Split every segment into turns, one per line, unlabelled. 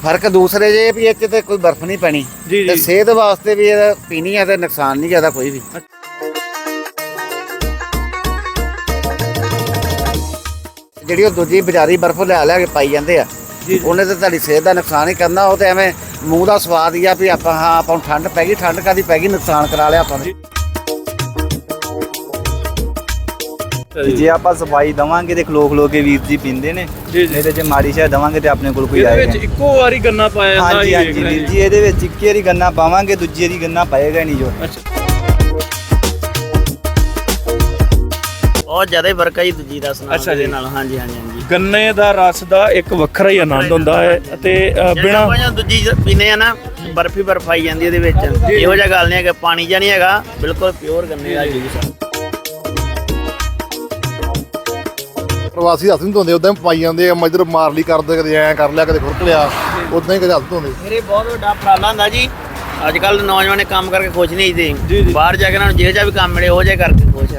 फर्क दूसरे जे भी इस ते कोई बर्फ नहीं पैनी ते सेहत वास्ते भी पीनी है ते नुकसान नहीं ज़्यादा कोई भी। ਜਿਹੜੀ ਦੂਜੀ ਬਾਜ਼ਾਰੀ ਬਰਫ਼ ਲਿਆ ਕੇ ਪਾਈ ਜਾਂਦੇ ਆ ਉਹਨੇ ਤਾਂ ਤੁਹਾਡੀ ਸਿਹਤ ਦਾ ਨੁਕਸਾਨ ਹੀ ਕਰਨਾ। ਉਹ ਤੇ ਐਵੇਂ ਮੂੰਹ ਦਾ ਸਵਾਦ ਹੀ ਆ ਵੀ ਆਪਾਂ ਹਾਂ ਆਪਾਂ ਨੂੰ ਠੰਡ ਪੈ ਗਈ, ਠੰਡ ਕਾਦੀ ਪੈ ਗਈ, ਨੁਕਸਾਨ ਕਰਾ ਲਿਆ ਆਪਾਂ ਨੇ।
ਜੇ ਆਪਾਂ ਸਫਾਈ ਦਵਾਂਗੇ ਤੇ ਖਲੋ ਖਲੋ ਕੇ ਵੀਰ ਜੀ ਪੀਂਦੇ ਨੇ, ਨਹੀਂ ਤੇ ਜੇ ਮਾੜੀ ਸ਼ਾਇ ਦਵਾਂਗੇ ਤੇ ਆਪਣੇ ਕੋਲ ਕੋਈ ਆਏਗਾ।
ਇਹਦੇ ਵਿੱਚ ਇੱਕੋ ਵਾਰੀ ਗੰਨਾ ਪਾਇਆ ਜਾਂਦਾ।
ਹਾਂਜੀ ਹਾਂਜੀ ਵੀਰ ਜੀ, ਇਹਦੇ ਵਿੱਚ ਇੱਕੇ ਵਾਰੀ ਗੰਨਾ ਪਾਵਾਂਗੇ, ਦੂਜੀ ਵਾਰੀ ਗੰਨਾ ਪਾਏਗਾ ਨਹੀਂ ਜੋ।
ਬਹੁਤ ਜ਼ਿਆਦਾ ਫਰਕ ਹੈ ਜੀ ਦੂਜੀ ਰਸ ਨਾਲ ਦੇ ਨਾਲ। ਹਾਂਜੀ ਹਾਂਜੀ ਹਾਂਜੀ,
ਗੰਨੇ ਦਾ ਰਸ ਦਾ ਇੱਕ ਵੱਖਰਾ ਹੀ ਆਨੰਦ ਹੁੰਦਾ ਹੈ ਅਤੇ ਬਿਨਾਂ
ਦੂਜੀ ਪੀਨੇ ਆ ਨਾ ਬਰਫੀ ਬਰਫ ਆਈ ਜਾਂਦੀ ਇਹਦੇ ਵਿੱਚ। ਇਹੋ ਜਿਹਾ ਗੱਲ ਨਹੀਂ ਹੈਗਾ, ਪਾਣੀ ਜਿਹਾ ਨਹੀਂ ਹੈਗਾ, ਬਿਲਕੁਲ ਪਿਓਰ ਗੰਨੇ ਦਾ ਜੂਸ।
ਪ੍ਰਵਾਸੀ ਹੱਥ ਨਹੀਂ ਧੋਂਦੇ, ਉਦਾਂ ਹੀ ਪਾਈ ਜਾਂਦੇ ਆ, ਮਜਰ ਮਾਰ ਲਈ ਕਰਦੇ, ਕਦੇ ਐਂ ਕਰ ਲਿਆ, ਕਦੇ ਖੁਰਕ ਲਿਆ, ਉਦਾਂ ਹੀ ਕਦੇ ਹੱਥ ਧੋਂਦੇ।
ਮੇਰੇ ਬਹੁਤ ਵੱਡਾ ਉਪਰਾਲਾ ਹੁੰਦਾ ਜੀ। ਅੱਜ ਕੱਲ੍ਹ ਨੌਜਵਾਨ ਕੰਮ ਕਰਕੇ ਖੁਸ਼ ਨਹੀਂ ਜੀ, ਬਾਹਰ ਜਾ ਕੇ ਉਹਨਾਂ ਨੂੰ ਜਿਹੋ ਜਿਹਾ ਵੀ ਕੰਮ ਮਿਲੇ ਉਹ ਜਿਹਾ ਕਰਕੇ ਖੁਸ਼ ਆ।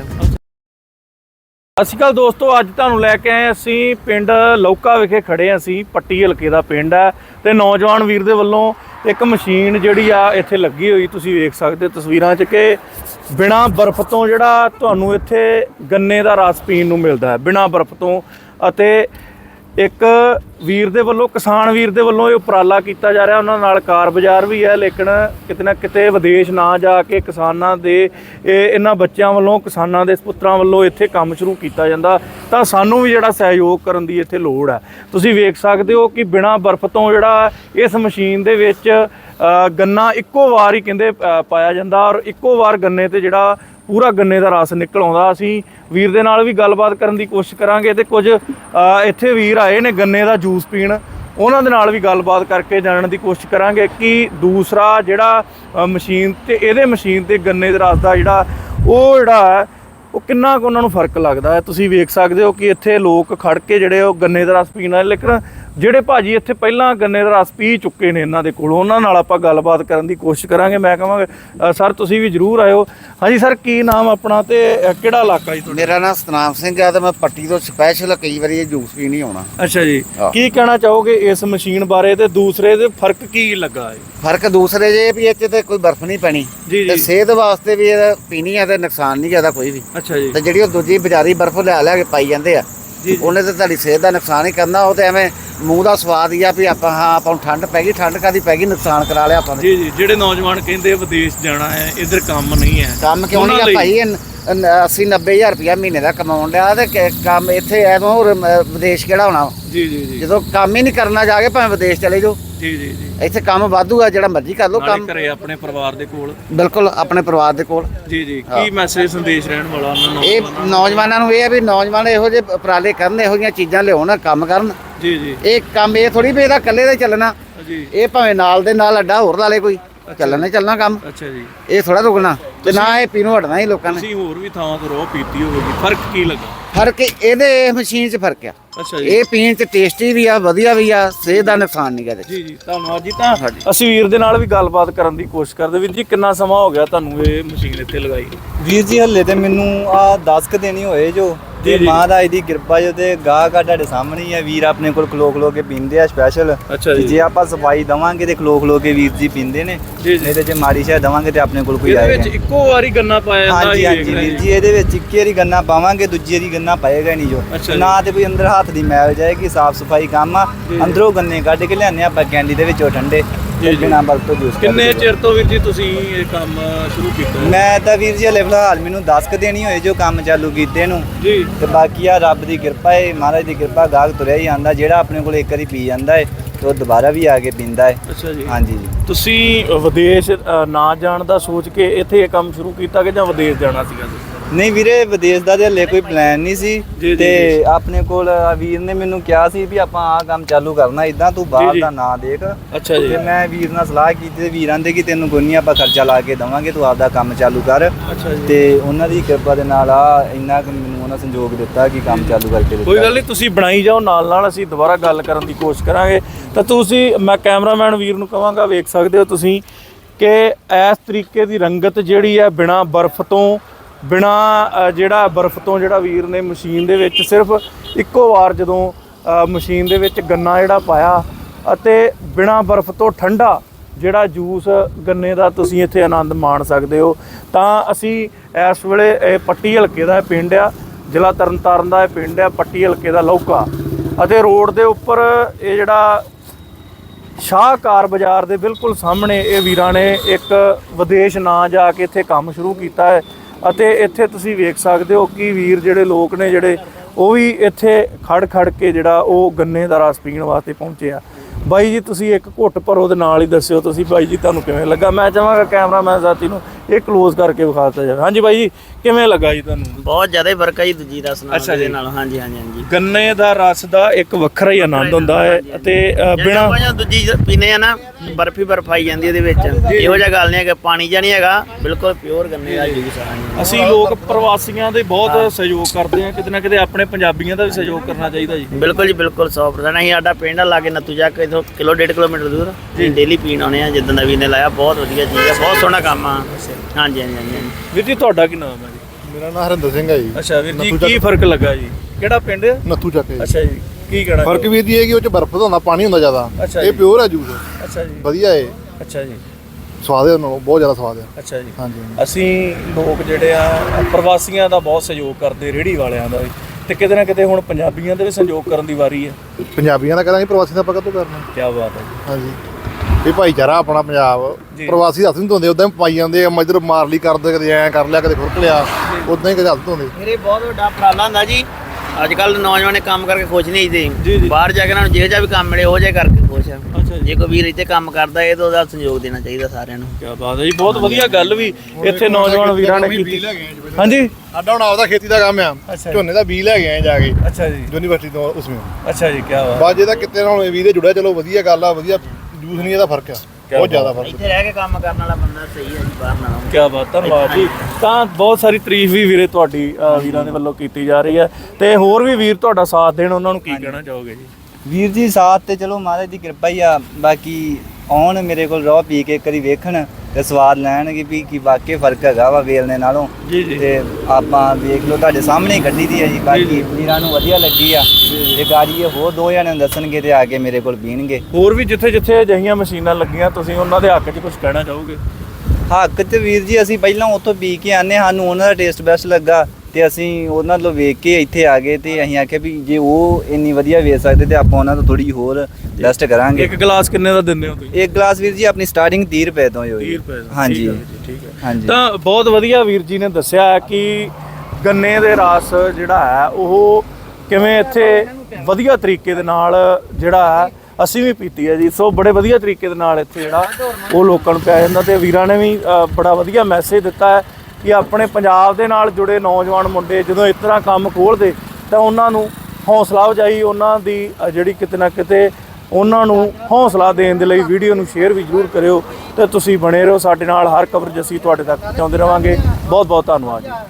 ਸਤਿ ਸ਼੍ਰੀ ਅਕਾਲ ਦੋਸਤੋ, ਅੱਜ ਤੁਹਾਨੂੰ ਲੈ ਕੇ ਆਏ ਅਸੀਂ ਪਿੰਡ ਲੌਕਾ ਵਿਖੇ ਖੜੇ ਹਾਂ। ਅਸੀਂ ਪੱਟੀ ਹਲਕੇ ਦਾ ਪਿੰਡ ਹੈ ਤੇ ਨੌਜਵਾਨ ਵੀਰ ਦੇ ਵੱਲੋਂ ਇੱਕ ਮਸ਼ੀਨ ਜਿਹੜੀ ਆ ਇੱਥੇ ਲੱਗੀ ਹੋਈ, ਤੁਸੀਂ ਵੇਖ ਸਕਦੇ ਹੋ ਤਸਵੀਰਾਂ 'ਚ ਕਿ ਬਿਨਾਂ ਬਰਫ਼ ਤੋਂ ਜਿਹੜਾ ਤੁਹਾਨੂੰ ਇੱਥੇ ਗੰਨੇ ਦਾ ਰਸ ਪੀਣ ਨੂੰ ਮਿਲਦਾ ਹੈ, ਬਿਨਾਂ ਬਰਫ਼ ਤੋਂ। ਅਤੇ ਇੱਕ ਵੀਰ ਦੇ ਵੱਲੋਂ, ਕਿਸਾਨ ਵੀਰ ਦੇ ਵੱਲੋਂ ਇਹ ਉਪਰਾਲਾ ਕੀਤਾ ਜਾ ਰਿਹਾ। ਉਹਨਾਂ ਨਾਲ ਕਾਰ ਬਾਜ਼ਾਰ ਵੀ ਹੈ, ਲੇਕਿਨ ਕਿਤੇ ਨਾ ਕਿਤੇ ਵਿਦੇਸ਼ ਨਾ ਜਾ ਕੇ ਕਿਸਾਨਾਂ ਦੇ ਇਹਨਾਂ ਬੱਚਿਆਂ ਵੱਲੋਂ, ਕਿਸਾਨਾਂ ਦੇ ਪੁੱਤਰਾਂ ਵੱਲੋਂ ਇੱਥੇ ਕੰਮ ਸ਼ੁਰੂ ਕੀਤਾ ਜਾਂਦਾ, ਤਾਂ ਸਾਨੂੰ ਵੀ ਜਿਹੜਾ ਸਹਿਯੋਗ ਕਰਨ ਦੀ ਇੱਥੇ ਲੋੜ ਹੈ। ਤੁਸੀਂ ਵੇਖ ਸਕਦੇ ਹੋ ਕਿ ਬਿਨਾਂ ਬਰਫ਼ ਤੋਂ ਜਿਹੜਾ ਇਸ ਮਸ਼ੀਨ ਦੇ ਵਿੱਚ ਗੰਨਾ ਇੱਕੋ ਵਾਰ ਹੀ ਕਹਿੰਦੇ ਪਾਇਆ ਜਾਂਦਾ, ਔਰ ਇੱਕੋ ਵਾਰ ਗੰਨੇ 'ਤੇ ਜਿਹੜਾ ਪੂਰਾ ਗੰਨੇ ਦਾ ਰਸ ਨਿਕਲ ਆਉਂਦਾ। ਅਸੀਂ ਵੀਰ ਦੇ ਨਾਲ ਵੀ ਗੱਲਬਾਤ ਕਰਨ ਦੀ ਕੋਸ਼ਿਸ਼ ਕਰਾਂਗੇ ਤੇ ਕੁਝ ਇੱਥੇ ਵੀਰ ਆਏ ਨੇ ਗੰਨੇ ਦਾ ਜੂਸ ਪੀਣ, ਉਹਨਾਂ ਦੇ ਨਾਲ ਵੀ ਗੱਲਬਾਤ ਕਰਕੇ ਜਾਣਨ ਦੀ ਕੋਸ਼ਿਸ਼ ਕਰਾਂਗੇ ਕਿ ਦੂਸਰਾ ਜਿਹੜਾ ਮਸ਼ੀਨ ਤੇ ਇਹਦੇ ਮਸ਼ੀਨ ਤੇ ਗੰਨੇ ਦੇ ਰਸ ਦਾ ਜਿਹੜਾ ਹੈ ਉਹ ਕਿੰਨਾ ਕੁ ਉਹਨਾਂ ਨੂੰ ਫਰਕ ਲੱਗਦਾ ਹੈ। ਤੁਸੀਂ ਵੇਖ ਸਕਦੇ ਹੋ ਕਿ ਇੱਥੇ ਲੋਕ ਖੜ ਕੇ ਜਿਹੜੇ ਉਹ ਗੰਨੇ ਦਾ ਰਸ ਪੀਣ ਵਾਲੇ, ਲੇਕਿਨ ਜਿਹੜੇ ਭਾਜੀ ਇੱਥੇ ਪਹਿਲਾਂ ਗੰਨੇ ਦਾ ਰਸ ਪੀ ਚੁੱਕੇ ਨੇ ਇਹਨਾਂ ਦੇ ਕੋਲੋਂ, ਉਹਨਾਂ ਨਾਲ ਆਪਾਂ ਗੱਲਬਾਤ ਕਰਨ ਦੀ ਕੋਸ਼ਿਸ਼ ਕਰਾਂਗੇ। ਮੈਂ ਕਹਾਂਗਾ ਸਰ ਤੁਸੀਂ ਵੀ ਜ਼ਰੂਰ ਆਇਓ। ਹਾਂਜੀ ਸਰ, ਕੀ ਨਾਮ ਆਪਣਾ ਤੇ ਕਿਹੜਾ ਇਲਾਕਾ ਜੀ ਤੁਹਾਡਾ?
ਮੇਰਾ ਨਾਮ ਸਤਨਾਮ ਸਿੰਘ ਆ ਤੇ ਮੈਂ ਪੱਟੀ ਤੋਂ ਸਪੈਸ਼ਲ ਕਈ ਵਾਰੀ ਇਹ ਜੂਸ ਪੀਣ ਹੀ ਆਉਣਾ।
ਅੱਛਾ ਜੀ, ਕੀ ਕਹਿਣਾ ਚਾਹੋਗੇ ਇਸ ਮਸ਼ੀਨ ਬਾਰੇ ਤੇ ਦੂਸਰੇ ਦੇ ਫਰਕ ਕੀ ਲੱਗਾ ਹੈ?
ਫਰਕ ਦੂਸਰੇ ਜੇ ਵੀ ਇੱਥੇ ਤੇ ਕੋਈ ਬਰਫ਼ ਨਹੀਂ ਪੈਣੀ ਤੇ ਸਿਹਤ ਵਾਸਤੇ ਵੀ ਪੀਣੀ ਹੈ ਤੇ ਨੁਕਸਾਨ ਨਹੀਂ ਜ਼ਿਆਦਾ ਕੋਈ ਵੀ।
ਅੱਛਾ ਜੀ,
ਤੇ ਜਿਹੜੀ ਉਹ ਦੂਜੀ ਬਾਜ਼ਾਰੀ ਬਰਫ਼ ਲਿਆ ਕੇ ਪਾਈ ਜਾਂਦੇ ਆ ਉਹਨੇ ਤਾਂ ਤੁਹਾਡੀ ਸਿਹਤ ਦਾ ਨੁਕਸਾਨ ਹੀ ਕਰਨਾ। ਉਹ ਤੇ ਐਵੇਂ ਮੂੰਹ ਦਾ ਸਵਾਦ ਹੀ ਆ ਵੀ ਆਪਾਂ ਹਾਂ ਆਪਾਂ ਨੂੰ ਠੰਡ ਪੈ ਗਈ, ਠੰਡ ਕਾਦੀ ਪੈ ਗਈ, ਨੁਕਸਾਨ ਕਰਾ ਲਿਆ ਆਪਾਂ ਨੇ।
ਜੀ ਜੀ, ਜਿਹੜੇ ਨੌਜਵਾਨ ਕਹਿੰਦੇ ਵਿਦੇਸ਼ ਜਾਣਾ ਹੈ, ਇੱਧਰ ਕੰਮ ਨਹੀਂ ਹੈ,
ਕੰਮ ਕਿਉਂ ਨਹੀਂ ਆ ਭਾਈ? 80-90 ਹਜ਼ਾਰ ਰੁਪਇਆ ਮਹੀਨੇ ਦਾ ਕਮਾਉਣ ਡਿਆ ਤੇ ਕੰਮ ਇੱਥੇ ਐ ਤੋਂ ਹੋਰ ਵਿਦੇਸ਼ ਕਿਹੜਾ ਹੋਣਾ?
ਜੀ ਜੀ ਜੀ,
ਜਦੋਂ ਕੰਮ ਹੀ ਨਹੀਂ ਕਰਨਾ ਜਾ ਕੇ ਭਾਵੇਂ ਵਿਦੇਸ਼ ਚਲੇ ਜਾਓ,
ਜੀ ਜੀ ਜੀ,
ਇੱਥੇ ਕੰਮ ਵਾਧੂ ਆ, ਜਿਹੜਾ ਮਰਜ਼ੀ ਕਰ ਲਓ ਕੰਮ।
ਘਰੇ ਆਪਣੇ ਪਰਿਵਾਰ ਦੇ ਕੋਲ,
ਬਿਲਕੁਲ ਆਪਣੇ ਪਰਿਵਾਰ ਦੇ ਕੋਲ।
ਜੀ ਜੀ, ਕੀ ਮੈਸੇਜ ਸੰਦੇਸ਼ ਰਹਿਣ ਵਾਲਾ ਉਹਨਾਂ ਨੂੰ?
ਇਹ ਨੌਜਵਾਨਾਂ ਨੂੰ ਇਹ ਆ ਵੀ ਨੌਜਵਾਨ ਇਹੋ ਜਿਹੇ ਉਪਰਾਲੇ ਕਰਨ, ਇਹੋ ਜਿਹੀਆਂ ਚੀਜ਼ਾਂ ਲਿਆਉਣ, ਕੰਮ ਕਰਨ।
ਜੀ ਜੀ,
ਇਹ ਕੰਮ ਇਹ ਥੋੜੀ ਵੀ ਇਹਦਾ ਇਕੱਲੇ ਦਾ ਚੱਲਣਾ, ਇਹ ਭਾਵੇਂ ਨਾਲ ਦੇ ਨਾਲ ਅੱਡਾ ਹੋਰ ਲਾ ਲੇ ਕੋਈ, ਚੱਲਣਾ ਕੰਮ।
ਅੱਛਾ ਜੀ,
ਇਹ ਥੋੜਾ ਰੁਕਣਾ ਤੇ ਨਾ ਇਹ ਪੀਣੋਂ ਹਟਣਾ ਹੀ ਲੋਕਾਂ ਨੇ।
ਤੁਸੀਂ ਹੋਰ ਵੀ ਥਾਵਾਂ ਤੋਂ ਰੋਹ ਪੀਤੀ ਹੋਵੇਗੀ, ਫਰਕ ਕੀ ਲੱਗਾ?
ਫਰਕ ਇਹਦੇ ਮਸ਼ੀਨ 'ਚ ਫਰਕ ਆ।
ਅੱਛਾ ਜੀ,
ਇਹ ਪੀਣ 'ਚ ਟੇਸਟੀ ਵੀ ਆ, ਵਧੀਆ ਵੀ ਆ, ਸਿਹਤ ਦਾ ਨੁਕਸਾਨ ਨਹੀਂ ਕਰਦੇ।
ਜੀ ਜੀ, ਧੰਨਵਾਦ ਜੀ। ਤਾਂ ਅਸੀਂ ਵੀਰ ਦੇ ਨਾਲ ਵੀ ਗੱਲਬਾਤ ਕਰਨ ਦੀ ਕੋਸ਼ਿਸ਼ ਕਰਦੇ। ਵੀਰ ਜੀ, ਕਿੰਨਾ ਸਮਾਂ ਹੋ ਗਿਆ ਤੁਹਾਨੂੰ ਇਹ ਮਸ਼ੀਨ ਇੱਥੇ ਲਗਾਈ?
ਵੀਰ ਜੀ ਹੱਲੇ ਤੇ ਮੈਨੂੰ ਆ 10 ਕੁ ਦਿਨ ਹੀ ਹੋਏ ਜੋ, ਤੇ ਮਹਾਰਾਜ ਦੀ ਕਿਰਪਾ ਜੋ ਤੇ ਗਾਹਕ ਆ ਤੁਹਾਡੇ ਸਾਹਮਣੇ ਹੀ ਆ। ਵੀਰ ਆਪਣੇ ਕੋਲ ਖਲੋ ਖਲੋ ਕੇ ਪੀਂਦੇ ਆ ਸਪੈਸ਼ਲ।
ਅੱਛਾ ਜੀ,
ਜੇ ਆਪਾਂ ਸਫਾਈ ਦਵਾਂਗੇ ਤੇ ਖਲੋ ਖਲੋ ਕੇ ਵੀਰ ਜੀ ਪੀਂਦੇ ਨੇ, ਨਹੀਂ ਤੇ ਜੇ ਮਾੜੀ ਸ਼ਾਇ ਦਵਾਂਗੇ ਤੇ ਆਪਣੇ ਕੋਲ ਕੋਈ ਆਏਗਾ।
ਇਹਦੇ ਵਿੱਚ ਇੱਕੋ ਵਾਰੀ ਗੰਨਾ ਪਾਇਆ ਜਾਂਦਾ।
ਹਾਂਜੀ ਹਾਂਜੀ ਵੀਰ ਜੀ, ਇਹਦੇ ਵਿੱਚ ਇੱਕੇ ਵਾਰੀ ਗੰਨਾ ਪਾਵਾਂਗੇ, ਦੂਜੀ ਵਾਰੀ ਗੰਨਾ ਪਾਏਗਾ ਨਹੀਂ ਜੋ। ਨਾ ਤੇ ਕੋਈ ਅੰਦਰ ਹੱਥ ਦੀ ਮੈਲ ਜਾਏਗੀ, ਸਾਫ ਸਫਾਈ ਕੰਮ ਆ। ਅੰਦਰੋਂ ਗੰਨੇ ਕੱਢ ਕੇ ਲਿਆਉਂਦੇ ਆਪਾਂ ਕੈਂਡੀ ਦੇ ਵਿੱਚੋਂ ਠੰਡੇ, ਬਿਨਾਂ ਬਰਫ਼ ਤੋਂ ਜੂਸ।
ਕਿੰਨੇ ਚਿਰ ਤੋਂ ਵੀਰ ਜੀ ਤੁਸੀਂ ਇਹ ਕੰਮ ਸ਼ੁਰੂ ਕੀਤਾ?
ਮੈਂ ਤਾਂ ਵੀਰ ਜੀ ਹਲੇ ਫਿਲਹਾਲ ਮੈਨੂੰ 10 ਕੁ ਦਿਨ ਹੀ ਹੋਏ ਜੋ ਕੰਮ ਚਾਲੂ ਕੀਤੇ ਨੂੰ
ਜੀ।
ਤੇ ਬਾਕੀ ਆ ਰੱਬ ਦੀ ਕਿਰਪਾ ਹੈ, ਮਹਾਰਾਜ ਦੀ ਕਿਰਪਾ, ਗਾਹਕ ਤੁਰਿਆ ਹੀ ਆਂਦਾ। ਜਿਹੜਾ ਆਪਣੇ ਕੋਲ ਇੱਕ ਵਾਰੀ ਪੀ ਜਾਂਦਾ ਹੈ ਤੇ ਉਹ ਦੁਬਾਰਾ ਵੀ ਆ ਕੇ ਪੀਂਦਾ ਹੈ।
ਅੱਛਾ ਜੀ,
ਹਾਂਜੀ ਜੀ।
ਤੁਸੀਂ ਵਿਦੇਸ਼ ਨਾ ਜਾਣ ਦਾ ਸੋਚ ਕੇ ਇੱਥੇ ਇਹ ਕੰਮ ਸ਼ੁਰੂ ਕੀਤਾ ਕਿ ਜਾਂ ਵਿਦੇਸ਼ ਜਾਣਾ ਸੀਗਾ ਤੁਸੀਂ?
ਨਹੀਂ ਵੀਰੇ, ਵਿਦੇਸ਼ ਦਾ ਤੇ ਹਲੇ ਕੋਈ ਪਲਾਨ ਨਹੀਂ ਸੀ ਤੇ ਆਪਣੇ ਕੋਲ ਵੀਰ ਨੇ ਮੈਨੂੰ ਕਿਹਾ ਸੀ ਵੀ ਆਪਾਂ ਆਹ ਕੰਮ ਚਾਲੂ ਕਰਨਾ, ਇਦਾਂ ਤੂੰ ਬਾਹਰ ਦਾ ਨਾਂ ਦੇਖ।
ਅੱਛਾ ਜੀ,
ਤੇ ਮੈਂ ਵੀਰ ਨਾਲ ਸਲਾਹ ਕੀਤੀ ਤੇ ਵੀਰਾਂ ਦੇ ਕਿ ਤੈਨੂੰ ਕੋਈ ਨਹੀਂ ਆਪਾਂ ਖਰਚਾ ਲਾ ਕੇ ਦੇਵਾਂਗੇ, ਤੂੰ ਆਪਦਾ ਕੰਮ ਚਾਲੂ ਕਰ।
ਅੱਛਾ ਜੀ, ਤੇ
ਉਹਨਾਂ ਦੀ ਕਿਰਪਾ ਦੇ ਨਾਲ ਆ ਇੰਨਾ ਕੁ ਮੈਨੂੰ ਉਹਨਾਂ ਸੰਯੋਗ ਦਿੱਤਾ ਕਿ ਕੰਮ ਚਾਲੂ ਕਰਕੇ ਦਿੱਤਾ।
ਕੋਈ ਗੱਲ ਨਹੀਂ, ਤੁਸੀਂ ਬਣਾਈ ਜਾਓ, ਨਾਲ ਨਾਲ ਅਸੀਂ ਦੁਬਾਰਾ ਗੱਲ ਕਰਨ ਦੀ ਕੋਸ਼ਿਸ਼ ਕਰਾਂਗੇ। ਤਾਂ ਤੁਸੀਂ, ਮੈਂ ਕੈਮਰਾਮੈਨ ਵੀਰ ਨੂੰ ਕਹਾਂਗਾ, ਵੇਖ ਸਕਦੇ ਹੋ ਤੁਸੀਂ ਕਿ ਇਸ ਤਰੀਕੇ ਦੀ ਰੰਗਤ ਜਿਹੜੀ ਹੈ ਬਿਨਾਂ ਬਰਫ਼ ਤੋਂ, ਬਿਨਾਂ ਜਿਹੜਾ ਬਰਫ਼ ਤੋਂ ਜਿਹੜਾ ਵੀਰ ਨੇ ਮਸ਼ੀਨ ਦੇ ਵਿੱਚ ਸਿਰਫ ਇੱਕੋ ਵਾਰ ਜਦੋਂ ਮਸ਼ੀਨ ਦੇ ਵਿੱਚ ਗੰਨਾ ਜਿਹੜਾ ਪਾਇਆ ਅਤੇ ਬਿਨਾਂ ਬਰਫ਼ ਤੋਂ ਠੰਡਾ ਜਿਹੜਾ ਜੂਸ ਗੰਨੇ ਦਾ ਤੁਸੀਂ ਇੱਥੇ ਆਨੰਦ ਮਾਣ ਸਕਦੇ ਹੋ। ਤਾਂ ਅਸੀਂ ਇਸ ਵੇਲੇ ਇਹ ਪੱਟੀ ਹਲਕੇ ਦਾ ਪਿੰਡ ਆ, ਜ਼ਿਲ੍ਹਾ ਤਰਨਤਾਰਨ ਦਾ ਇਹ ਪਿੰਡ ਆ, ਪੱਟੀ ਹਲਕੇ ਦਾ ਲੌਕਾ, ਅਤੇ ਰੋਡ ਦੇ ਉੱਪਰ ਇਹ ਜਿਹੜਾ ਸ਼ਾਹਕਾਰ ਬਾਜ਼ਾਰ ਦੇ ਬਿਲਕੁਲ ਸਾਹਮਣੇ ਇਹ ਵੀਰਾਂ ਨੇ ਇੱਕ ਵਿਦੇਸ਼ ਨਾ ਜਾ ਕੇ ਇੱਥੇ ਕੰਮ ਸ਼ੁਰੂ ਕੀਤਾ ਹੈ। ਅਤੇ ਇੱਥੇ ਤੁਸੀਂ ਵੇਖ ਸਕਦੇ ਹੋ ਕਿ ਵੀਰ ਜਿਹੜੇ ਲੋਕ ਨੇ ਜਿਹੜੇ ਉਹ ਵੀ ਇੱਥੇ ਖੜ ਕੇ ਜਿਹੜਾ ਉਹ ਗੰਨੇ ਦਾ ਰਸ ਪੀਣ ਵਾਸਤੇ ਪਹੁੰਚੇ ਆ। ਬਾਈ ਜੀ ਤੁਸੀਂ ਇੱਕ ਘੁੱਟ ਭਰੋ ਦੇ ਨਾਲ ਹੀ ਦੱਸਿਓ ਤੁਸੀਂ ਬਾਈ ਜੀ ਤੁਹਾਨੂੰ ਕਿਵੇਂ ਲੱਗਾ। ਮੈਂ ਚਾਹਾਂਗਾ ਕੈਮਰਾਮੈਨ ਸਾਥੀ ਨੂੰ ਇਹ ਕਲੋਜ਼ ਕਰਕੇ ਵਿਖਾ ਦਿੱਤਾ ਜਾਵੇ। ਹਾਂਜੀ ਬਾਈ ਜੀ ਕਿਵੇਂ ਲੱਗਾ ਜੀ ਤੁਹਾਨੂੰ?
ਬਹੁਤ ਜ਼ਿਆਦਾ ਫਰਕ ਹੈ ਜੀ ਦੂਜੀ ਰਸ ਨਾਲ ਦੇ ਨਾਲ। ਹਾਂਜੀ ਹਾਂਜੀ ਹਾਂਜੀ
ਗੰਨੇ ਦਾ ਰਸ ਦਾ ਇੱਕ ਵੱਖਰਾ ਹੀ ਆਨੰਦ ਹੁੰਦਾ ਹੈ ਅਤੇ ਬਿਨਾਂ
ਦੂਜੀ ਪੀਨੇ ਆ ਨਾ ਬਰਫੀ ਬਰਫ ਆਈ ਜਾਂਦੀ ਇਹਦੇ ਵਿੱਚ। ਇਹੋ ਜਿਹਾ ਗੱਲ ਨਹੀਂ ਹੈਗਾ, ਪਾਣੀ ਜਾਂ ਨਹੀਂ ਹੈਗਾ, ਬਿਲਕੁਲ ਪਿਓਰ ਗੰਨੇ ਦਾ ਜੂਸ ਆ।
ਅਸੀਂ ਲੋਕ ਪ੍ਰਵਾਸੀਆਂ ਦੇ ਬਹੁਤ ਸਹਿਯੋਗ ਕਰਦੇ ਹਾਂ, ਕਿਤੇ ਨਾ ਕਿਤੇ ਆਪਣੇ ਪੰਜਾਬੀਆਂ ਦਾ ਵੀ ਸਹਿਯੋਗ ਕਰਨਾ ਚਾਹੀਦਾ ਜੀ।
ਬਿਲਕੁਲ ਜੀ ਬਿਲਕੁਲ 100%। ਅਸੀਂ ਸਾਡਾ ਪਿੰਡ ਲਾਗੇ ਨੱਤੂ ਜਾ ਕੇ ਇਥੋਂ ਕਿਲੋ 1.5 ਕਿਲੋਮੀਟਰ ਦੂਰ ਡੇਲੀ ਪੀਣ ਆਉਣੇ ਆ। ਜਿੱਦਾਂ ਦਾ ਵੀਰ ਨੇ ਲਾਇਆ ਬਹੁਤ ਵਧੀਆ ਚੀਜ਼ ਆ, ਬਹੁਤ ਸੋਹਣਾ ਕੰਮ ਆ। ਹਾਂਜੀ ਹਾਂਜੀ ਹਾਂਜੀ।
ਵੀਰ ਜੀ ਤੁਹਾਡਾ ਕੀ ਨਾਮ ਹੈ ਜੀ?
ਮੇਰਾ ਨਾਮ ਹਰਿੰਦਰ ਸਿੰਘ ਹੈ ਜੀ।
ਅੱਛਾ ਵੀਰ ਜੀ ਕੀ ਫਰਕ ਲੱਗਾ ਜੀ? ਕਿਹੜਾ ਪਿੰਡ?
ਨੱਥੂ ਚੱਕ ਜੀ।
ਅੱਛਾ ਜੀ ਕੀ ਕਹਿਣਾ?
ਫਰਕ ਵੀ ਇਹ ਹੈ ਕਿ ਉਹ ਚ ਬਰਫ਼ ਦਾ ਹੁੰਦਾ, ਪਾਣੀ ਹੁੰਦਾ ਜ਼ਿਆਦਾ।
ਅੱਛਾ
ਇਹ
ਜੀ।
ਪਿਓਰ ਹੈ ਜੂਸ,
ਅੱਛਾ ਜੀ
ਵਧੀਆ ਹੈ,
ਅੱਛਾ ਜੀ
ਸਵਾਦ ਹੈ, ਉਹਨੂੰ ਬਹੁਤ ਜ਼ਿਆਦਾ ਸਵਾਦ ਹੈ।
ਅੱਛਾ ਜੀ।
ਹਾਂਜੀ
ਅਸੀਂ ਲੋਕ ਜਿਹੜੇ ਆ ਪ੍ਰਵਾਸੀਆਂ ਦਾ ਬਹੁਤ ਸਹਿਯੋਗ ਕਰਦੇ, ਰੇਹੜੀ ਵਾਲਿਆਂ ਦਾ ਵੀ, ਤੇ ਕਿਤੇ ਨਾ ਕਿਤੇ ਹੁਣ ਪੰਜਾਬੀਆਂ ਦੇ ਵੀ ਸਹਿਯੋਗ ਕਰਨ ਦੀ ਵਾਰੀ ਹੈ।
ਪੰਜਾਬੀਆਂ ਦਾ ਕਰਾਂਗੇ, ਪ੍ਰਵਾਸੀ ਦਾ ਆਪਾਂ ਕਦੋਂ ਕਰਨਾ।
ਕੀ ਬਾਤ ਹੈ ਜੀ।
ਹਾਂਜੀ ਇਹ ਭਾਈਚਾਰਾ ਆਪਣਾ ਪੰਜਾਬ। ਪ੍ਰਵਾਸੀ ਹੱਥ ਨਹੀਂ ਧੋਂਦੇ, ਉਦਾਂ ਹੀ ਪਾਈ ਜਾਂਦੇ ਆ, ਮਜ਼ਦੂਰ ਮਾਰਲੀ ਕਰਦੇ, ਕਦੇ ਐਂ ਕਰ ਲਿਆ, ਕਦੇ ਖੁਰਕ ਲਿਆ, ਉਦਾਂ ਹੀ ਕਦੇ ਹੱਥ ਧੋਂਦੇ।
ਮੇਰੇ ਬਹੁਤ ਵੱਡਾ ਉਪਰਾਲਾ ਹੁੰਦਾ ਜੀ। ਅੱਜ ਕੱਲ ਨੌਜਵਾਨ ਕੰਮ ਕਰਕੇ ਖੁਸ਼ ਨਹੀਂ ਹੁੰਦੇ, ਬਾਹਰ ਜਾ ਕੇ ਉਹਨਾਂ ਨੂੰ ਜਿਹੋ ਜਿਹਾ ਵੀ ਕੰਮ ਮਿਲੇ ਉਹ ਜਿਹਾ ਕਰਕੇ ਖੁਸ਼ ਆ। ਜੇ ਕੋਈ ਵੀਰ ਇੱਥੇ ਕੰਮ ਕਰਦਾ ਇਹ ਤਾਂ ਉਹਦਾ ਸਹਿਯੋਗ ਦੇਣਾ ਚਾਹੀਦਾ ਸਾਰਿਆਂ ਨੂੰ।
ਕੀ ਬਾਤ ਹੈ ਜੀ, ਬਹੁਤ ਵਧੀਆ ਗੱਲ ਵੀ ਇੱਥੇ ਨੌਜਵਾਨ ਵੀਰਾਂ ਨੇ ਕੀਤੀ। ਹਾਂਜੀ
ਸਾਡਾ ਹੁਣ ਆਪਦਾ ਖੇਤੀ ਦਾ ਕੰਮ ਆ, ਝੋਨੇ ਦਾ ਬੀਜ ਲੈ ਕੇ ਆਏ ਜਾ ਕੇ।
ਅੱਛਾ ਜੀ
ਯੂਨੀਵਰਸਿਟੀ ਤੋਂ ਉਸ ਨੂੰ।
ਅੱਛਾ ਜੀ ਕੀ ਬਾਤ।
ਬਾਅਦ ਜਿਹਦਾ ਕਿਤੇ ਨਾਲ ਵੀਰੇ ਜੁੜਿਆ, ਚਲੋ ਵਧੀਆ ਗੱਲ ਆ, ਵਧੀਆ ਜੂਸ ਨਹੀਂ ਇਹਦਾ ਫਰਕ ਆ, ਬਹੁਤ ਜ਼ਿਆਦਾ ਫਰਕ।
ਇੱਥੇ ਰਹਿ ਕੇ ਕੰਮ ਕਰਨ ਵਾਲਾ ਬੰਦਾ ਸਹੀ ਹੈ ਜੀ, ਬਾਹਰ ਨਾਲੋਂ।
ਕੀ ਬਾਤ, ਧੰਨਵਾਦ ਜੀ। ਤਾਂ ਬਹੁਤ ਸਾਰੀ ਤਾਰੀਫ ਵੀ ਵੀਰੇ ਤੁਹਾਡੀ ਵੀਰਾਂ ਦੇ ਵੱਲੋਂ ਕੀਤੀ ਜਾ ਰਹੀ ਹੈ, ਤੇ ਹੋਰ ਵੀ ਵੀਰ ਤੁਹਾਡਾ ਸਾਥ ਦੇਣ, ਉਹਨਾਂ ਨੂੰ ਕੀ ਕਹਿਣਾ ਚਾਹੋਗੇ ਜੀ?
ਵੀਰ ਜੀ ਸਾਥ ਤੇ ਚਲੋ ਮਹਾਰਾਜ ਦੀ ਕਿਰਪਾ ਹੀ ਆ, ਬਾਕੀ ਆਉਣ ਮੇਰੇ ਕੋਲ ਰੋਹ ਪੀ ਕੇ ਇੱਕ ਵਾਰੀ ਵੇਖਣ ਤੇ ਸਵਾਦ ਲੈਣਗੇ ਵੀ ਕੀ ਵਾਕਈ ਫਰਕ ਹੈਗਾ ਵਾ ਵੇਲਣੇ ਨਾਲੋਂ।
ਜੀ ਜੀ।
ਤੇ ਆਪਾਂ ਵੇਖ ਲਓ ਤੁਹਾਡੇ ਸਾਹਮਣੇ ਹੀ ਕੱਢੀ ਦੀ ਹੈ ਜੀ, ਬਾਕੀ ਵੀਰਾਂ ਨੂੰ ਵਧੀਆ ਲੱਗੀ ਆ ਤੇ ਗਾੜੀ ਇਹ ਹੋਰ 2 ਜਣੇ ਦੱਸਣਗੇ ਤੇ ਆ ਕੇ ਮੇਰੇ ਕੋਲ ਪੀਣਗੇ।
ਹੋਰ ਵੀ ਜਿੱਥੇ ਜਿੱਥੇ ਅਜਿਹੀਆਂ ਮਸ਼ੀਨਾਂ ਲੱਗੀਆਂ ਤੁਸੀਂ ਉਹਨਾਂ ਦੇ ਹੱਕ 'ਚ ਕੁਝ ਕਹਿਣਾ ਚਾਹੋਗੇ?
ਹੱਕ ਤੇ ਵੀਰ ਜੀ ਅਸੀਂ ਪਹਿਲਾਂ ਉੱਥੋਂ ਪੀ ਕੇ ਆਨੇ, ਸਾਨੂੰ ਉਹਨਾਂ ਦਾ ਟੇਸਟ ਬੈਸਟ ਲੱਗਾ ਤੇ ਅਸੀਂ ਉਹਨਾਂ ਤੋਂ ਵੇਖ ਕੇ ਇੱਥੇ ਆ ਗਏ ਤੇ ਅਸੀਂ ਆਖਿਆ ਵੀ ਜੇ ਉਹ ਇੰਨੀ ਵਧੀਆ ਵੇਚ ਸਕਦੇ ਤੇ ਆਪਾਂ ਉਹਨਾਂ ਤੋਂ ਥੋੜੀ ਹੋਰ ਬੈਸਟ ਕਰਾਂਗੇ।
ਇੱਕ ਗਲਾਸ ਕਿੰਨੇ ਦਾ ਦਿੰਦੇ ਹੋ ਤੁਸੀਂ?
ਇੱਕ ਗਲਾਸ ਵੀਰ ਜੀ ਆਪਣੀ ਸਟਾਰਟਿੰਗ 30 ਰੁਪਏ ਤੋਂ ਹੋਈ।
30 ਰੁਪਏ ਦਾ।
ਹਾਂਜੀ
ਠੀਕ ਹੈ।
ਹਾਂਜੀ।
ਤਾਂ ਬਹੁਤ ਵਧੀਆ ਵੀਰ ਜੀ ਨੇ ਦੱਸਿਆ ਕਿ ਗੰਨੇ ਦੇ ਰਸ ਜਿਹੜਾ ਹੈ ਉਹ ਕਿਵੇਂ ਇੱਥੇ ਵਧੀਆ ਤਰੀਕੇ ਦੇ ਨਾਲ ਜਿਹੜਾ ਹੈ ਅਸੀਂ ਵੀ ਪੀਤੀ ਹੈ ਜੀ। ਸੋ ਬੜੇ ਵਧੀਆ ਤਰੀਕੇ ਦੇ ਨਾਲ ਇੱਥੇ ਜਿਹੜਾ ਉਹ ਲੋਕਾਂ ਨੂੰ ਪਿਆ ਜਾਂਦਾ, ਤੇ ਵੀਰਾਂ ਨੇ ਵੀ ਬੜਾ ਵਧੀਆ ਮੈਸੇਜ ਦਿੱਤਾ ਹੈ ਕਿ ਆਪਣੇ ਪੰਜਾਬ ਦੇ ਨਾਲ ਜੁੜੇ ਨੌਜਵਾਨ ਮੁੰਡੇ ਜਦੋਂ ਇਸ ਤਰ੍ਹਾਂ ਕੰਮ ਖੋਲ੍ਹਦੇ ਤਾਂ ਉਹਨਾਂ ਨੂੰ ਹੌਸਲਾ ਅਫਜ਼ਾਈ, ਉਹਨਾਂ ਦੀ ਜਿਹੜੀ ਕਿਤੇ ਨਾ ਕਿਤੇ ਉਹਨਾਂ ਨੂੰ ਹੌਸਲਾ ਦੇਣ ਦੇ ਲਈ ਵੀਡੀਓ ਨੂੰ ਸ਼ੇਅਰ ਵੀ ਜ਼ਰੂਰ ਕਰਿਓ, ਤੇ ਤੁਸੀਂ ਬਣੇ ਰਹੋ ਸਾਡੇ ਨਾਲ। ਹਰ ਖਬਰ ਅਸੀਂ ਤੁਹਾਡੇ ਤੱਕ ਪਹੁੰਚਾਉਂਦੇ ਰਹਾਂਗੇ। ਬਹੁਤ ਬਹੁਤ ਧੰਨਵਾਦ ਜੀ।